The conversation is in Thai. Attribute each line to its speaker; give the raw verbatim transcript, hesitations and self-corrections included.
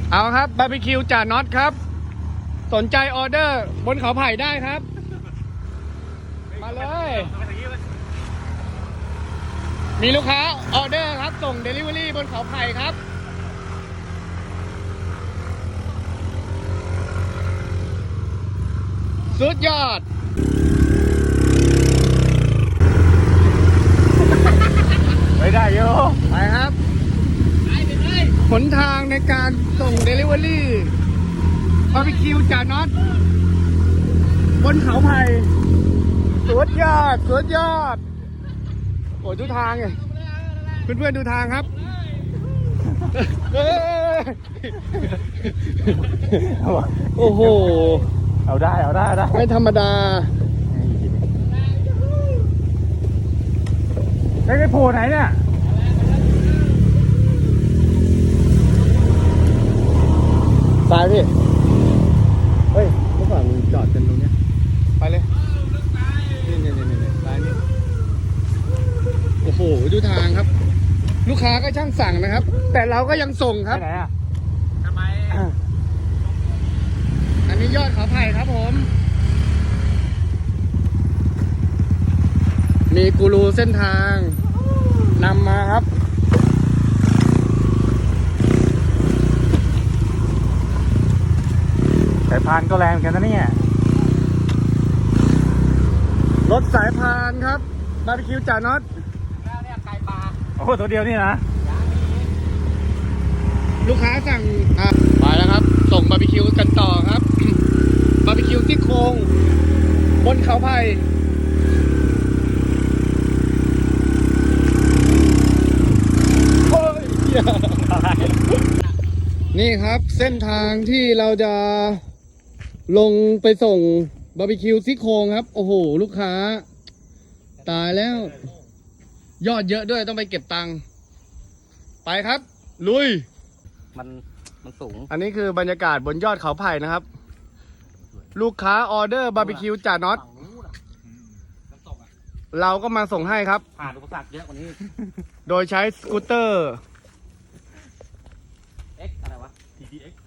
Speaker 1: เอาครับบาร์บีคิวจ่าน็อตครับสนใจออเดอร์บนเขาไผ่ได้ครับมาเลยมีลูกค้าออเดอร์ครับส่งเดลิเวอรี่บนเขาไผ่ครับสุดยอด
Speaker 2: ไม่ได้โย
Speaker 1: ไปครับหนทางในการส่งเดลิเวอรี่บาร์บีคิวจ่าน็อตบนเขาไผ่สุดยอดสุดยอดโอ้ดูทางไงเพื่อนๆดูทางครับโอ้โห
Speaker 2: เอาได้เอาได้ได้
Speaker 1: ไม่ธรรมดา
Speaker 2: ไอ้ไอ้โผล่ไหนเนี่ย
Speaker 1: ซ้ายพี่เฮ้ยเมื่อก่อนมึงจอดกันตรงเนี้ยไปเลยนี่นี่นี่นี่ซ้ายนี่โอ้โหดูทางครับ ลูกค้าก็ช่างสั่งนะครับ แต่เราก็ยังส่งครับ
Speaker 2: ไหนอ่ะ
Speaker 1: ทำไมอันนี้ยอดเขาไผ่ครับผมมีกูรูเส้นทางนำมาครับ
Speaker 2: สายพานก็แรงเหมือนกันนะเนี่ย
Speaker 1: รถสายพานครับบาร์บีคิวจ่าน็อต
Speaker 2: แล้วเนี่ยไก่ปลาโอ้โหตัวเดียวนี่นะ
Speaker 1: ลูกค้าสั่งอ่ะไปแล้วครับส่งบาร์บีคิวกันต่อครับ บาร์บีคิวซี่โครงบนเขาไผ่โอ้ยนี่ครับเส้นทางที่เราจะลงไปส่งบาร์บีคิวซี่โครงครับโอ้โหลูกค้าตายแล้วยอดเยอะด้วยต้องไปเก็บตังค์ไปครับลุย
Speaker 2: มันมันสูง
Speaker 1: อันนี้คือบรรยากาศบนยอดเขาไผ่นะครับลูกค้าออเดอร์บาร์บีคิวจ่าน็อตเราก็มาส่งให้ครับ
Speaker 2: ผ่านอุปสรรคเยอะกว่านี้
Speaker 1: โดยใช้สกูตเตอร์
Speaker 2: X อะไรวะ ที ที เอ็กซ์